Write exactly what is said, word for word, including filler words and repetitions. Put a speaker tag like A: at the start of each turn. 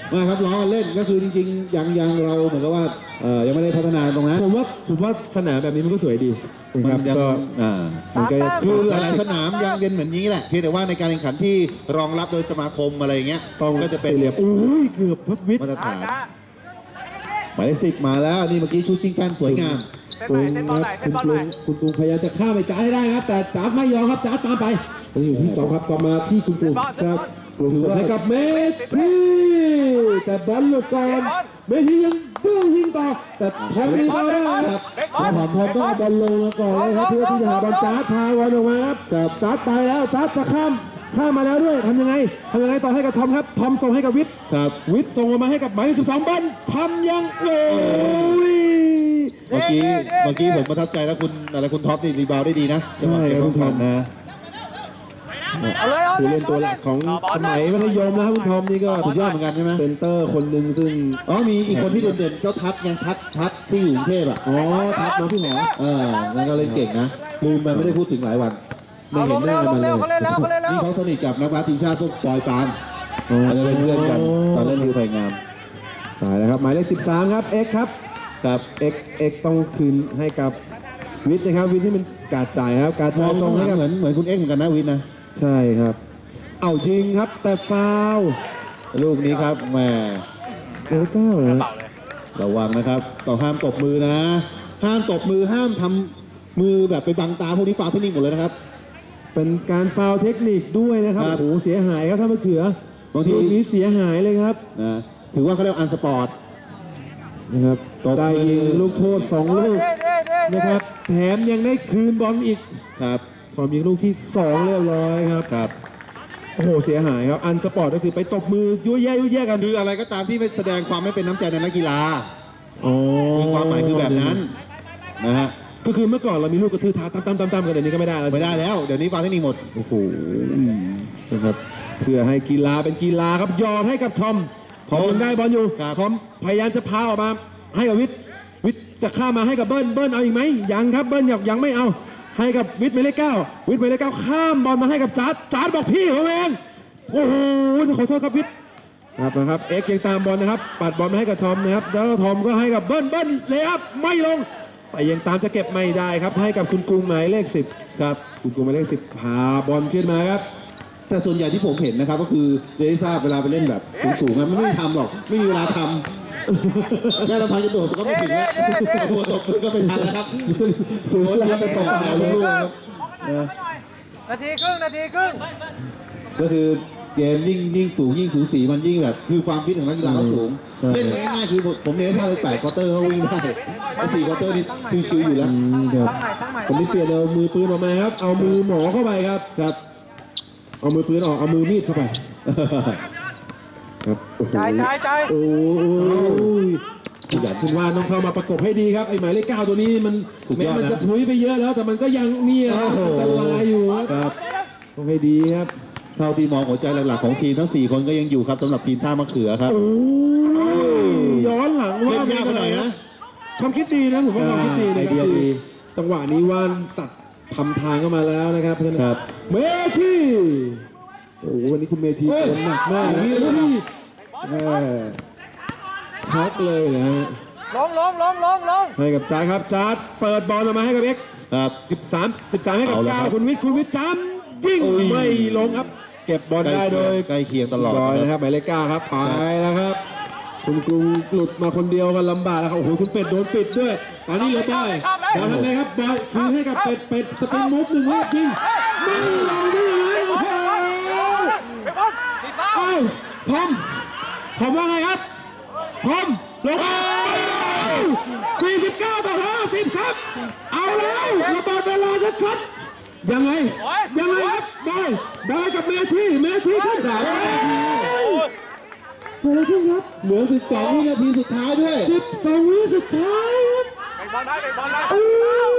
A: ไม่ครับล้อเล่นก็คือจริงๆยังยังเราเหมือนกับว่าเออยังไม่ได้พัฒนาตรงนั้น
B: ผมว่าผมว่าสนามแบบนี้มันก็สวยดีนะครับก็
A: อ่า
B: มันก็
A: คือหลายๆสนามยังเป็นเหมือนนี้แหละเพียงแต่ว่าในการแข่งขันที่รองรับโดยสมาคมอะไรเงี้ยก็จะเป็น
B: เหลี่ยมอุ้ยเกือบพับวิทย์
A: มาตรฐานหมายเลขสิบมาแล้วนี่เมื่อกี้ชูชิงแป้นสวยงาม
B: ปรุงครับคุณปรุงคุณปรุงพยายามจะข้ามไปจ้าให้ได้ครับแต่จ้าไม่ยอมครับจ้าตามไปยังอยู่ที่สองครับต่อมาที่คุณปรุงครับปรุงให้กับเมทีแต่บอลหลุดก่อนเมทียังดื้อยิงต่อแต่ทอมมีบอลได้ครับทอมทอมต้องเอาบอลลงมาก่อนเลยครับเพื่อที่จะหาบอลจ้าพาบอลออกมาครับกับจ้าไปแล้วจ้าจะข้ามข้ามมาแล้วด้วยทำยังไงทำยังไงต่อให้กับทอมครับทอมส่งให้กับวิทย์
A: ครับ
B: วิทย์ส่งมาให้กับหมายเลขสิบสองบอลทำยังโอ้ย
A: เมื่อกี้เมื่อกี้ผมประทับใจแล้วคุณอะไรคุณท็อปนี่รีบาวได้ดีนะ
B: ใช่ครับคุณทอม
A: นะ
B: ผู้เล่นตัวหลักของสมัยมัธยมนะครับคุณทอมนี่ก็
A: สุดยอดเหมือนกันใช่ไหม
B: เซนเตอร์คนหนึ่งซึ่ง
A: อ๋อมีอีกคนที่เด่นๆเจ้าทัศน์ไงทัศน์ทัศน์ที่อยู่กรุงเทพอ่ะ
B: อ๋อทัศน์มาพี่หมอ
A: เออนั่นก็เล่นเก่งนะลืมไปไม่ได้พูดถึงหลายวัน
B: ไม่เห็นหน้ามันเลย
A: นี่เขาสนิทกับนักบาสทีมชาติพวกปอยปานอะไรเป็นเพื่อนกันตอนเล่นคือไผ่งาม
B: ตายแล้วครับหมายเลขสิบสามครับเอ็กครับ
A: ครับ
B: เอ็กเอ็กต้องคืนให้กับวิทย์นะครับวิทย์ที่มันการจ่ายครับการจ่าย
A: ส่งให้กับเหมือนเหมือนคุณเอ็กเหมือนกันนะวิทย์นะ
B: ใช่ครับเอายิงครับแต่ฟาว
A: ลูกนี้ครับแหม
B: เออเก้านะ
A: ระวังนะครับต้องห้ามตบมือนะห้ามตบมือห้ามทำมือแบบไปบังตาพวกนี้ฟาวเทคนิคหมดเลยนะครับ
B: เป็นการฟาวเทคนิคด้วยนะครับโอ้โหเสียหายครับถ้ามะเขือบางทีนี้เสียหายเลยครับ
A: นะถือว่าเขาเรียกอันสปอร์ต
B: นะครับได้ยิงลูกโทษสองลูกนะครับแถมยังได้คืนบอลอีก
A: ครับ
B: พอยิงลูกที่สองเรียบร้อยครับ
A: ครับ
B: โอ้โหเสียหายครับอันสปอร์ตก็คือไปตบมือยั่วแย่ยั่วแย่กัน
A: คืออะไรก็ตามที่ไม่แสดงความไม่เป็นน้ำใจในนักกีฬา
B: อ๋อ
A: คือความหมายคือแบบนั้นนะฮะ
B: ก็คือเมื่อก่อนเรามีลูกกระทืบเท้าตั้มตั้มตั้มกันเดี๋ยวนี้ก็ไม่ได้แล้ว
A: ไม่ได้แล้วเดี๋ยวนี้ฟาวเทคนิคหมด
B: โอ้โหนะครับเพื่อให้กีฬาเป็นกีฬาครับยอมให้กับทอมทอมยังได้บอลอยู่ทอมพยายามจะพาออกมาให้กับวิทย์วิทย์จะข้ามมาให้กับเบิ้ลเบิ้ลเอาอีกไหมยังครับเบิ้ลยังยังไม่เอาให้กับวิทย์หมายเลขเก้าวิทย์หมายเลขเก้าข้ามบอลมาให้กับจัดจัดบอกพี่ผมเองโอ้โหขอโทษครับวิทย์ครับนะครับเอ็กยังตามบอลนะครับปัดบอลมาให้กับทอมนะครับแล้วทอมก็ให้กับเบิ้ลเบิ้ลเลยครับไม่ลงแต่ยังตามจะเก็บไม่ได้ครับให้กับคุณกรุงหมายเลขสิบ
A: ครับ
B: คุณกรุงหมายเลขสิบพาบอลขึ้นมาครับ
A: แต่ส่วนใหญ่ที่ผมเห็นนะครับก็คือเดลิซ่าเวลาไปเล่นแบบสูงๆมันไม่ได้ทำหรอกไม่มีเวลาทำแค่เราพายจะโดดก็ไม่ถึงแล้วหัวตกก็เป็นทันแล้วครับสูงแล้วไปตกหาลูกครับ
C: นาทีครึ่งนาทีครึ่ง
A: ก็คือเกมยิ่งยิ่งสูงยิ่งสูสีมันยิ่งแบบคือความฟิตของนักกีฬาเขาสูงเล่นง่ายๆคือผมเน้นท่าเลยแปดควอเตอร์เขาวิ่งได้สี่ควอเตอร์นี่ชิวๆอยู่แล้ว
B: ผมนี่เปลี่ยนเอามือปืนออกมาครับเอามือหมอเข้าไปครับ
A: ครับ
B: เอามือปืนออกเอามือมีดเข้าไปครับ
C: ใจใจใจ
B: โอ้ยอยากคุณว่าต้องเข้ามาประกบให้ดีครับไอ้หมายเลขเก้าตัวนี้มันแม้มันจะถุยไปเยอะแล้วแต่มันก็ยังเนี่ยอันตรายอยู่
A: ครับ
B: ต้องให้ดีครับ
A: เท่าที่มองหัวใจหลักๆของทีมทั้งสี่คนก็ยังอยู่ครับสำหรับทีมท่ามะเขือครับ
B: ย้อนหลังว่า
A: ไม่เป็นไรนะ
B: ความคิดดีนะผมว่าความคิดดีนะจังหวะนี้ว่านตัดทำทางเข้ามาแล้วนะครับเพื่อน
A: ครับ
B: เมทีโอ้วันนี้คุณเมทีคนหนักมากนะพักเลยนะฮะ
C: ลงลงลงลงลง
B: ให้กับจ้าครับจ้าเปิดบอลออกมาให้กับเอ็ก
A: ครับ
B: สิบสามสิบสามให้กับเก้าคุณวิทย์คุณวิทย์จำยิงไม่ลงครับเก็บบอลได้โดย
A: ใกล้เคียงตลอด
B: นะครับหมายเลขเก้าครับไปแล้วครับคุณกรุงหลุดมาคนเดียวกันลำบากแล้วครับโอ้โหคุณเป็ดโดนปิดด้วยตอนนี้เหลือบอยบอลทำไงครับบอยคืนให้กับเป็ดเป็ดสปินมุฟหนึ่งรอบยิงไม่ลงได้ยังไงโอ้โหเอ้าทอมทอมว่าไงครับทอมลงสี่สิบเก้าต่อห้าสิบครับเอาแล้วระบาดเวลาชัดๆยังไงยังไงครับบอยบอยกับเมทีเมทีขึ้นสามนาทีเกิดอะไรขึ้นครับ
A: เหลือสิบสองวินาทีสุดท้ายด้วย
B: สิบสองวิสุดท้ายครับ
C: ไปบอลได้ไปบอลได้